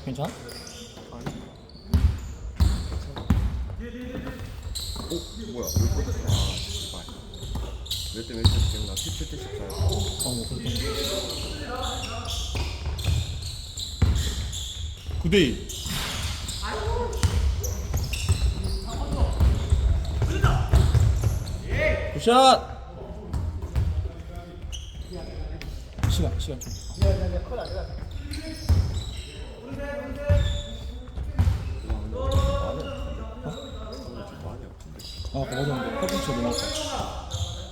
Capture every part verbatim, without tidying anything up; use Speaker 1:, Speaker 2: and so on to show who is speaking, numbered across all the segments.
Speaker 1: 괜찮아?
Speaker 2: 오 뭐야 몇 번? 아 씨발 몇 대 몇대 기억나? 십칠 대 십사야.
Speaker 1: 어, 뭐 그렇다. 구 대 일. 굿샷! 시간, 시간 좀. 아, 아까 맞았는데. 팔꿈치 너무 아파.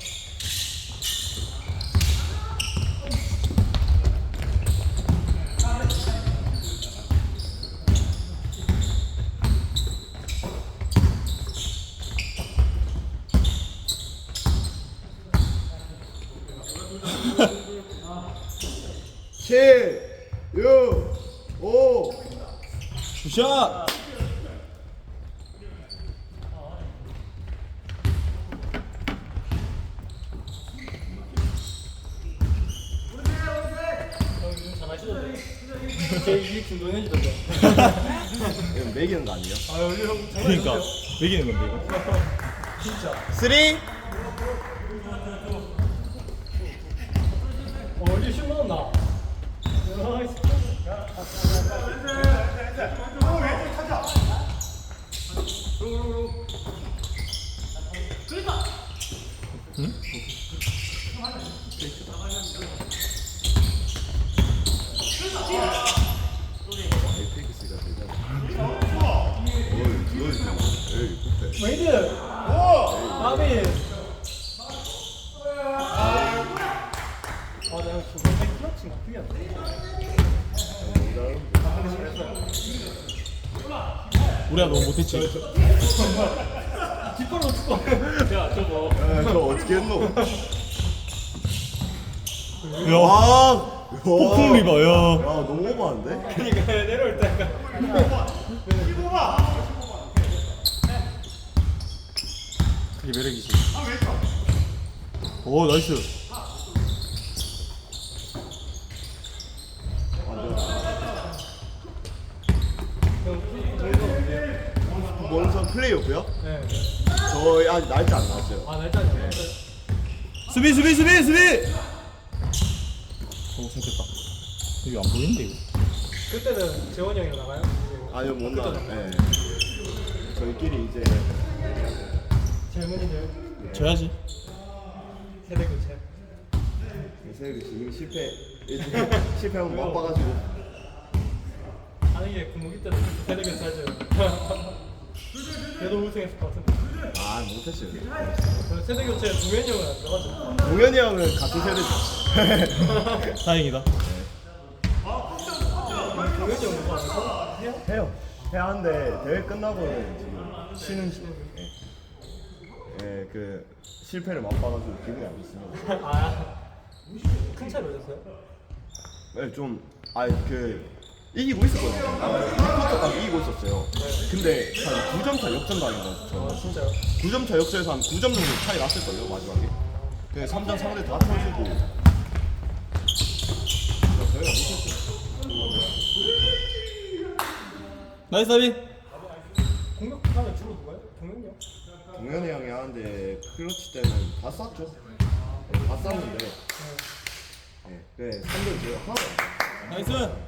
Speaker 2: 칠, 육, 오.
Speaker 1: 굿샷!
Speaker 3: 제일 중동현이던데.
Speaker 2: 이건 매기는 거 아니에요?
Speaker 3: 아 여기 형
Speaker 1: 그러니까 매기는 건데 이거.
Speaker 3: 진짜.
Speaker 2: 쓰리.
Speaker 3: 어 여기 슛 넣었나?
Speaker 1: 응?
Speaker 2: 에이펙스가 되잖아. 어이 그거 에이 못해.
Speaker 3: 메이드. 오. 나비. 아 내가 저번에 클러치가 그게 안 돼.
Speaker 1: 우리가 너무 못했지.
Speaker 3: 뒷발로 축구. 야 저거.
Speaker 2: 야, 저 어떻게 했노?
Speaker 1: 야,
Speaker 2: 와,
Speaker 1: 폭풍 리바, 야.
Speaker 2: 야 너무 오버한데?
Speaker 3: 그러니까 내려올 때가.
Speaker 1: 그게 매력이지. 오, 나이스.
Speaker 2: 원선 플레이오프요?
Speaker 3: 네.
Speaker 2: 저희 아직 날짜 안 나왔어요.
Speaker 3: 아 날짜는 안 됐어요.
Speaker 1: 수비, 수비, 수비, 수비. 오, 생겼다. 이거 안 보이는데 이거.
Speaker 3: 그때는 재원이 형이랑 나가요?
Speaker 2: 아니요 못 나와요. 예. 저희끼리 이제
Speaker 3: 질문인데요.
Speaker 1: 져야지.
Speaker 3: 세대 교체.
Speaker 2: 세율이 지금 실패 이제 실패하면 맛봐가지고
Speaker 3: 아는 게 군무기 때는 세대 교체하죠. 걔도 우승했을 것 같은데.
Speaker 2: 아 못했어요.
Speaker 3: 그 세대 교체 동현이 형은 안 들어가죠.
Speaker 2: 동현이 형은 같은 세대죠.
Speaker 1: 다행이다.
Speaker 3: 동현이 형 누구 안 해서? 해요?
Speaker 2: 해요. 해야 하는데 대회 끝나고는 지금 쉬는 중. 예. 예, 그 실패를 맛봐가지고 기분이 안 좋습니다.
Speaker 3: 아. 큰 차이 몇이었어요?
Speaker 2: 네, 좀, 아, 그 이기고 있었거든요. 이 쿼터까지 이기고 있었어요. 근데 한 구 점 차 역전 당한 거죠. 저는.
Speaker 3: 진짜요?
Speaker 2: 구 점 차 역전에서 한 구 점 정도 차이 났을걸요, 마지막에. 그 삼 점 상대 다 터지고. 저희가 못했어요.
Speaker 1: 나이스 사비.
Speaker 3: 공격하면 주로 누가요? 동현이 형?
Speaker 2: 동현이 형이 하는데 클러치 때는 다 쐈죠. 네, 다 쐈는데. 네, 네, 삼 점 제가 하나도 안
Speaker 1: 나이스.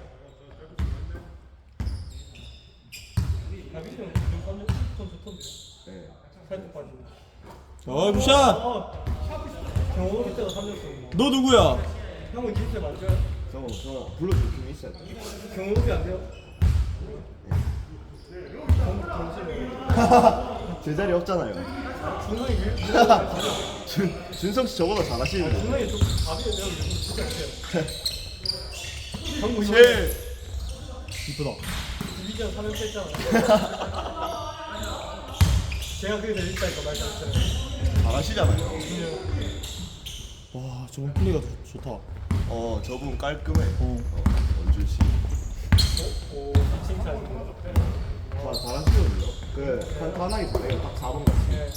Speaker 3: 다비씨 형 지금 삼 점 좋던데.
Speaker 2: 쐈어요. 네.
Speaker 3: 살짝 빠지고.
Speaker 1: 어, 굿샷.
Speaker 3: 어. 경호 때도 삼 점 쏘고.
Speaker 1: 너 누구야?
Speaker 3: 형은 기세 맞아요?
Speaker 2: 저, 저 불러줄 팀이 있어야 돼.
Speaker 3: 경호비 안 돼요? 경- 경심이.
Speaker 2: 제자리 없잖아요.
Speaker 3: 준성이 왜?
Speaker 2: 준, 준성 씨 저보다 잘하시는데.
Speaker 3: 준성이 좀 답이에요. 내가 요즘 진짜 못해요. 경고
Speaker 2: 칠.
Speaker 1: 이쁘다.
Speaker 3: 디비전 삼 연패 했잖아. 제가 그게 제일 있다니까 말씀드렸잖아요.
Speaker 2: 잘하시잖아요.
Speaker 1: 와, 저번 플레이가 좋- 좋다.
Speaker 2: 어, 저분 깔끔해.
Speaker 1: 어.
Speaker 2: 어, 원준 씨.
Speaker 3: 오, 칭찬.
Speaker 2: 와, 잘하시거든요. 그, 간단하게 잘해요. 딱 사 번 같이.
Speaker 3: 네.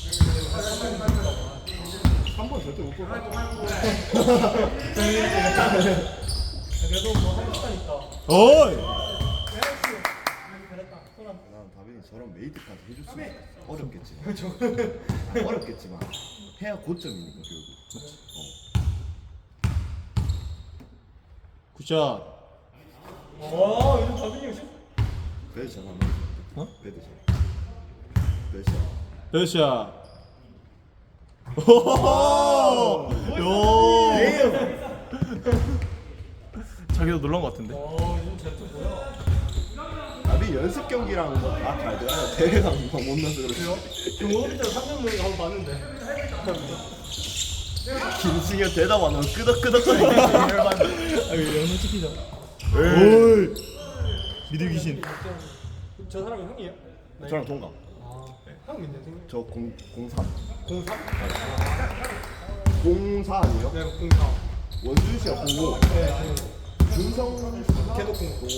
Speaker 2: 삼 번 절대 못 볼 것 같아.
Speaker 3: 그래도 뭐 하니까.
Speaker 1: 어이.
Speaker 2: 저런 메이드까지 해줬으면 좋겠어. 어렵겠지만 어렵겠지만 해야 고점이니까 결국. 어.
Speaker 1: 굿샷.
Speaker 3: 와 요즘 다빈이 형 슛.
Speaker 2: 배드 잘하네.
Speaker 1: 어?
Speaker 2: 배드 잘. 배드 잘.
Speaker 1: 굿샷. 오호호. 요. 자기도 놀란 것 같은데.
Speaker 3: 와 요즘 잘투 뭐야?
Speaker 2: 나비 연습 경기랑 뭐다잘 돼요. 대회가 못 나서 그렇지.
Speaker 3: 경호비전 삼 년 만에 한번 봤는데.
Speaker 2: 김승현 대답 안 하면 끄덕끄덕거리는 게 열받네.
Speaker 1: 아 이거 영상 찍히자. 오이. 미드 귀신.
Speaker 3: 저 사람이 형이에요? 네.
Speaker 2: 저랑 동갑.
Speaker 3: 아, 형 민대 생일.
Speaker 2: 저 공, 공삼.
Speaker 3: 공삼?
Speaker 2: 공사 아니에요?
Speaker 3: 네, 공삼.
Speaker 2: 원준 씨가 공오.
Speaker 3: 네,
Speaker 2: 준성
Speaker 3: 걔도 공.
Speaker 2: 공오.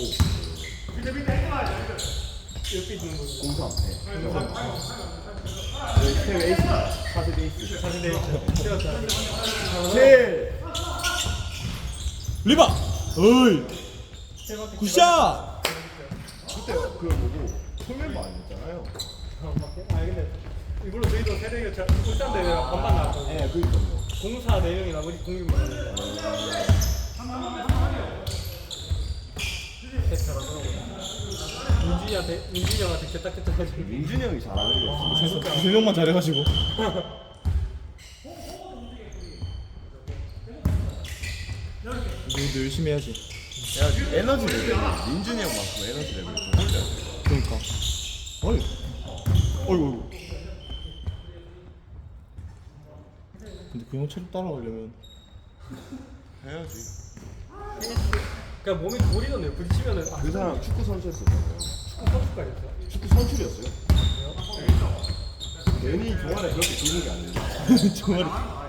Speaker 3: 옆에 있는 거.
Speaker 2: 공삼. 네. 저희 팀 에이스입니다. 사세 에이스.
Speaker 3: 사실 내 세웠다.
Speaker 2: 칠.
Speaker 1: 리바. 어이. 굿샷.
Speaker 2: 그때 그 뭐고 통일만 아니었잖아요.
Speaker 3: 아 근데 이걸로 저희도 세대가 잘 울산 대회랑 반반 나왔거든요.
Speaker 2: 네, 그니까요.
Speaker 3: 공사 네 명이 나머지 공육만. 잘하더라고요. 민준이한테 민준이 형한테 개딱개딱 해가지고.
Speaker 2: 민준이 형이 잘하는 게 없어.
Speaker 1: 세, 세 명만 잘해가지고. 우리도 열심히 해야지.
Speaker 2: 야, 에너지 레벨이 민준이 형만큼 에너지 레벨이 좀 올려야 돼.
Speaker 1: 그러니까. 어이. 어이구. 어이구. 근데 그 형 체력 따라가려면
Speaker 2: 해야지.
Speaker 3: 그냥 몸이 돌이던데요. 부딪히면은 아,
Speaker 2: 그 사람 축구 선수였었잖아요.
Speaker 3: 축구 선수까지였어요.
Speaker 2: 축구 선출이었어요? 괜히 종아리 그렇게 좋은 게 아니에요.
Speaker 1: 정말.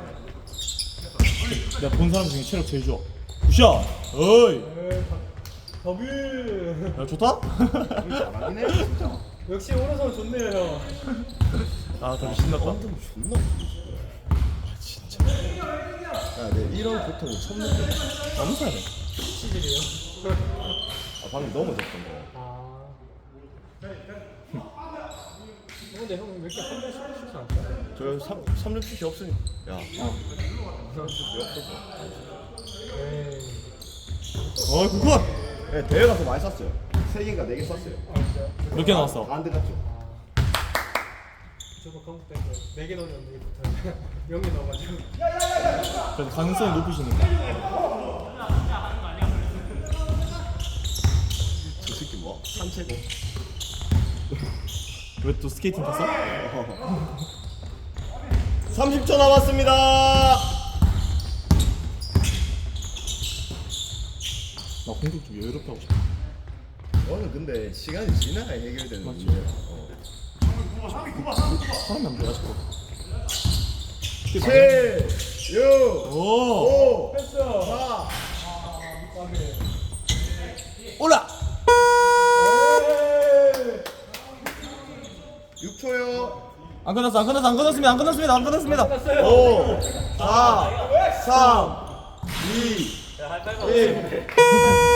Speaker 1: 내가 본 사람 중에 체력 제일 좋아. 굿샷. 어이.
Speaker 3: 더블.
Speaker 1: 야 좋다.
Speaker 2: 잘하긴 해 진짜.
Speaker 3: 역시 오른손 좋네요 형.
Speaker 1: 아 다시 신났다.
Speaker 2: 완전 존나 부르지. 아 진짜. 야, 내 이런 고통을 처음 느꼈어.
Speaker 1: 너무 잘해.
Speaker 3: 치질이에요.
Speaker 2: 아 방금 넘어졌던 거.
Speaker 3: 아. 근데 형 왜 이렇게 한 번씩 슛이 안 돼?
Speaker 2: 저 삼 삼 점 슛이 없으니까. 야. 어. 삼 점 슛이 없어서.
Speaker 3: 에이.
Speaker 1: 어이 굿.
Speaker 2: 네, 대회 가서 많이 쐈어요. 세 개인가 네 개 쐈어요.
Speaker 3: 아 진짜.
Speaker 1: 몇 개 나왔어?
Speaker 2: 다 안 들어갔죠.
Speaker 3: 저도 컴퓨터 때문에 네개 넣었는데 이게 영이 넣어가지고.
Speaker 1: 그래도 가능성이 높으시니까.
Speaker 2: 저 새끼 뭐? 산채고.
Speaker 1: 왜 또 스케이팅 탔어?
Speaker 2: 삼십 초 남았습니다.
Speaker 1: 나 공격 좀 여유롭게 하고 싶어.
Speaker 2: 저는 근데 시간이 지나야 해결되는
Speaker 1: 맞지.
Speaker 2: 문제야. 어.
Speaker 1: 사람이 안 돼, 아직도.
Speaker 2: 칠, 육,
Speaker 1: 오!
Speaker 2: 오,
Speaker 3: 패스.
Speaker 2: 사.
Speaker 1: 올라!
Speaker 2: 육 초요.
Speaker 1: 안 끝났어, 안 끝났어, 안 끝났습니다, 안 끝났습니다, 안 끝났습니다.
Speaker 2: 오, 사, 삼, 이, 일.